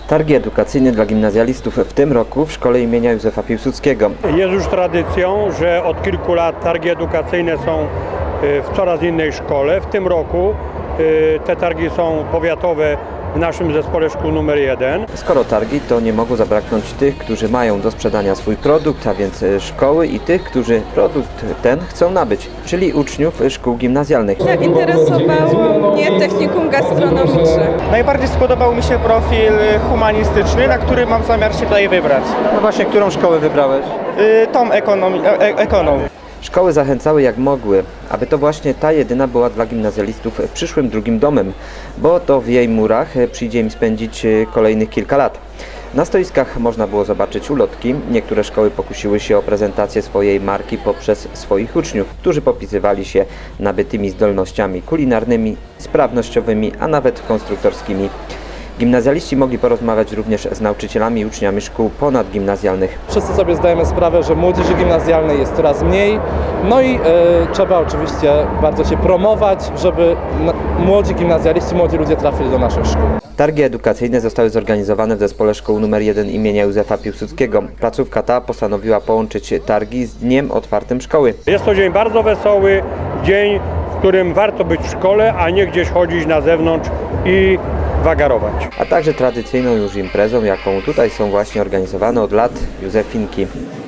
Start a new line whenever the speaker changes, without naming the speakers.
Targi edukacyjne dla gimnazjalistów w tym roku w szkole imienia Józefa Piłsudskiego.
Jest już tradycją, że od kilku lat targi edukacyjne są w coraz innej szkole. W tym roku te targi są powiatowe w naszym zespole szkół numer 1.
Skoro targi, to nie mogło zabraknąć tych, którzy mają do sprzedania swój produkt, a więc szkoły, i tych, którzy produkt ten chcą nabyć, czyli uczniów szkół gimnazjalnych.
Zainteresowało mnie technikum gastronomiczne.
Najbardziej spodobał mi się profil humanistyczny, na który mam zamiar się tutaj wybrać.
No właśnie, którą szkołę wybrałeś?
Tą ekonomię.
Szkoły zachęcały jak mogły, aby to właśnie ta jedyna była dla gimnazjalistów przyszłym drugim domem, bo to w jej murach przyjdzie im spędzić kolejnych kilka lat. Na stoiskach można było zobaczyć ulotki. Niektóre szkoły pokusiły się o prezentację swojej marki poprzez swoich uczniów, którzy popisywali się nabytymi zdolnościami kulinarnymi, sprawnościowymi, a nawet konstruktorskimi. Gimnazjaliści mogli porozmawiać również z nauczycielami i uczniami szkół ponadgimnazjalnych.
Wszyscy sobie zdajemy sprawę, że młodzieży gimnazjalnej jest coraz mniej, no i trzeba oczywiście bardzo się promować, żeby młodzi gimnazjaliści, młodzi ludzie trafili do naszych szkół.
Targi edukacyjne zostały zorganizowane w zespole szkół nr 1 imienia Józefa Piłsudskiego. Placówka ta postanowiła połączyć targi z dniem otwartym szkoły.
Jest to dzień bardzo wesoły, dzień, w którym warto być w szkole, a nie gdzieś chodzić na zewnątrz i wagarować.
A także tradycyjną już imprezą, jaką tutaj są właśnie organizowane od lat Józefinki.